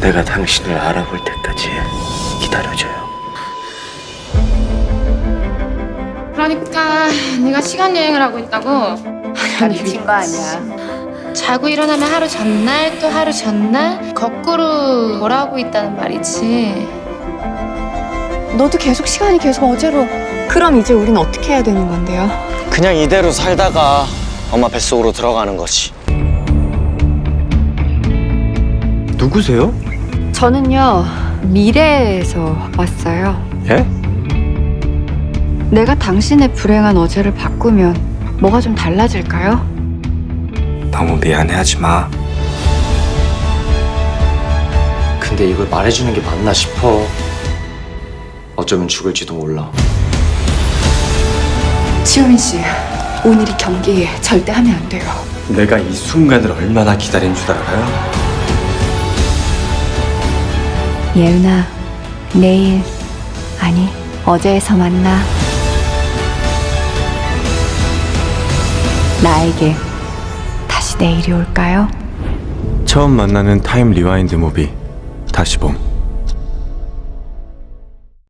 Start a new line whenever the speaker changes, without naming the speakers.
내가 당신을 알아볼 때까지 기다려줘요.
그러니까 네가 시간 여행을 하고 있다고?
다 미친 거 아니야.
자고 일어나면 하루 전날 또 하루 전날 거꾸로 돌아오고 있다는 말이지.
너도 계속 시간이 계속 어제로. 그럼 이제 우린 어떻게 해야 되는 건데요?
그냥 이대로 살다가 엄마 뱃속으로 들어가는 거지.
누구세요?
저는요, 미래에서 왔어요.
예?
내가 당신의 불행한 어제를 바꾸면 뭐가 좀 달라질까요?
너무 미안해하지 마.
근데 이걸 말해주는 게 맞나 싶어. 어쩌면 죽을지도 몰라.
지효민 씨, 오늘이 경기 절대 하면 안 돼요.
내가 이 순간을 얼마나 기다린 줄 알아요?
예은아, 내일, 아니, 어제에서 만나. 나에게 다시 내일이 올까요?
처음 만나는 타임 리와인드 무비 다시 봄.